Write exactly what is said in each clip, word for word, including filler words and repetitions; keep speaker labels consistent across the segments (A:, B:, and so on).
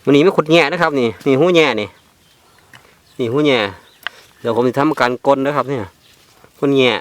A: วันนี้ไม่ขุดแง่นะครับนี่นี่หูแง่นี่นี่หูแง่เดี๋ยวผมจะทำการกลนนะครับเนี่ยกลนแง่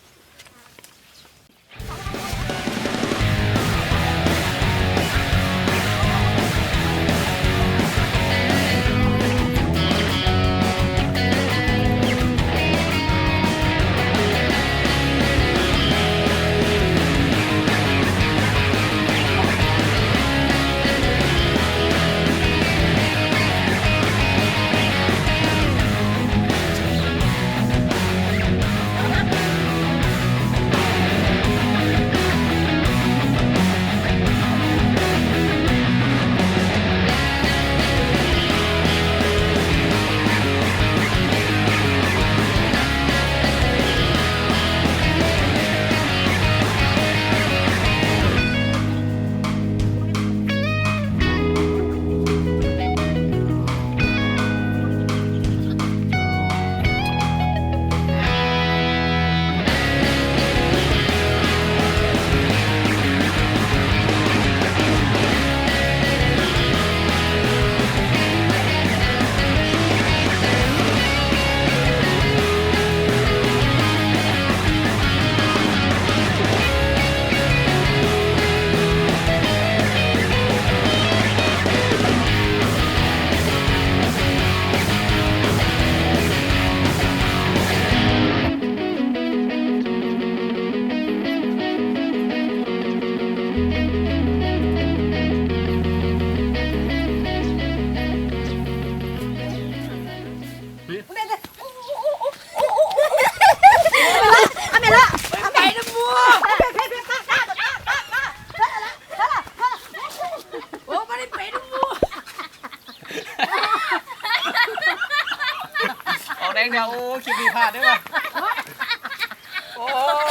B: แดงเดียวโอ้คลิปนี้พลาดได้ป่ะโอ้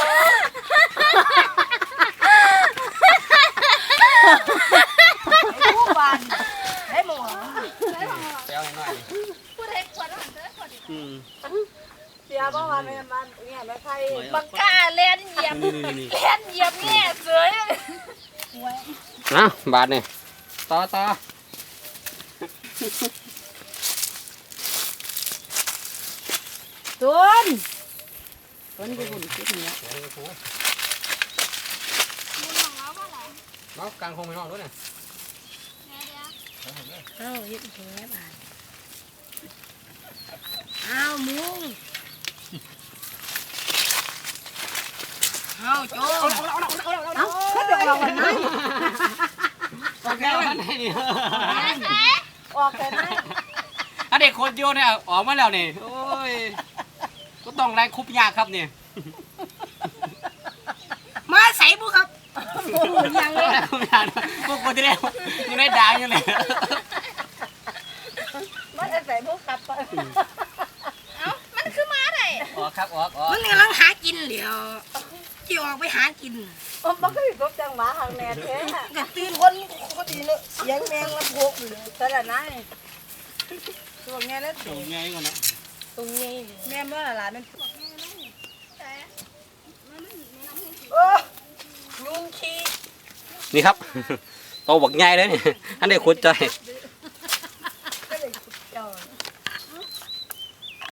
C: ผู้บันได้หมด
B: เจ้าหน่อย
C: ผู้ใดควรหันเถอะคนอืม
D: เสียบ้างวันนี้มันเนี่ยไม่ใคร
C: บังกาเล่นเหยียบเล่นเหยียบแง่เสือ
A: นะบาทนี่ต่อต่อ
D: ตุนตุนไปบุญคิดอย่างเงี้ย
A: น้องกลางคงไม่นอนด้วยเนี่ย
D: เอ้าเฮ็ดแผลบาดอ้าวมุงอ้าวโจ้เอ้าเขาเดือดร้อนไหม
B: ออกแล้วไหนนี่
D: ออกเลยไหม
B: ถ้าเด็กคนโยนเนี่ยออกมาแล้วนี่โอ้ยก็ต้องแรงคุบยากครับนี่
D: มาใส่บุครับยังเลย
B: พวกคนที่ได้ยังได้ด่างอยู่เลย
D: มาใส่บุครับ
C: เอ้ามันคือม้าไหน
B: ออกครับออกออก
D: มันกำลังหากินเดี๋ยวจีออกไปหากินอ๋อมันก็อยู่กับจังหวะทางแม่แท้กตื่นคนคนดีเลยเสียงแมงละพกเลยแต่ละนายตัวไงแล้ว
B: ตัวไงก่อนนะ
D: ตัวไงแม่เมื่อไหร่มันเออยุงขี้
A: นี่ครับโตบักใหญ่เลยนี่อันนี้ขุดใจ